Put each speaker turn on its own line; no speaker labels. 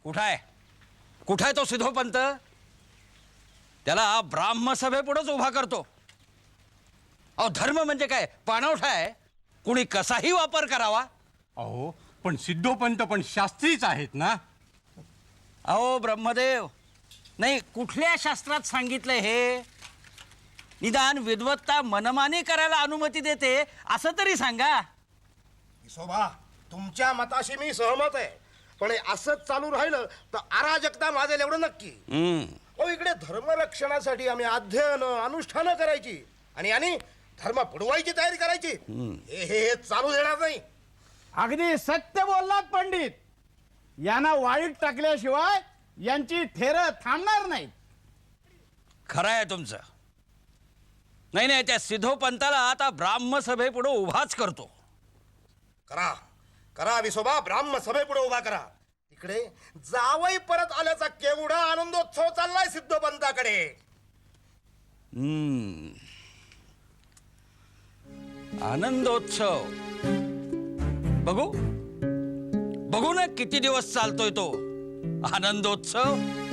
कुठं आहे तो सिद्धोपंत? त्याला ब्राह्मसभेपुढेच उभा करतो. अहो धर्म म्हणजे काय, पाणवठा आहे? कुणी कसाही वापर करावा?
अहो पण सिद्धोपंत पण शास्त्रीच आहेत ना.
अहो ब्रह्मदेव, नाही कुठल्या शास्त्रात सांगितलंय हे? निदान विद्वत्ता मनमानी करायला अनुमती देते असं तरी सांगा.
विसोबा, तुमच्या मताशी मी सहमत आहे, पण हे असंच चालू राहिलं तर अराजकता माजेल एवढं नक्की. हो, इकडे धर्मरक्षणासाठी आम्ही अध्ययन अनुष्ठानं करायची आणि धर्म बुडवायची तयारी करायची. हे चालू देणार नाही.
अगदी सत्य बोललात पंडित. यांना वाईट टाकल्याशिवाय यांची थेरं थांबणार नाही.
खरं आहे तुमचं. नाही, त्या सिद्धोपंताला आता ब्राह्मसभेपुढे उभाच करतो.
करा करा विसोबा, ब्राह्म सभेपुढे उभा करा. तिकडे जावई परत आल्याचा केवढा आनंदोत्सव चाललाय सिद्धोपंताकडे.
आनंदोत्सव बघू ना किती दिवस चालतोय तो आनंदोत्सव.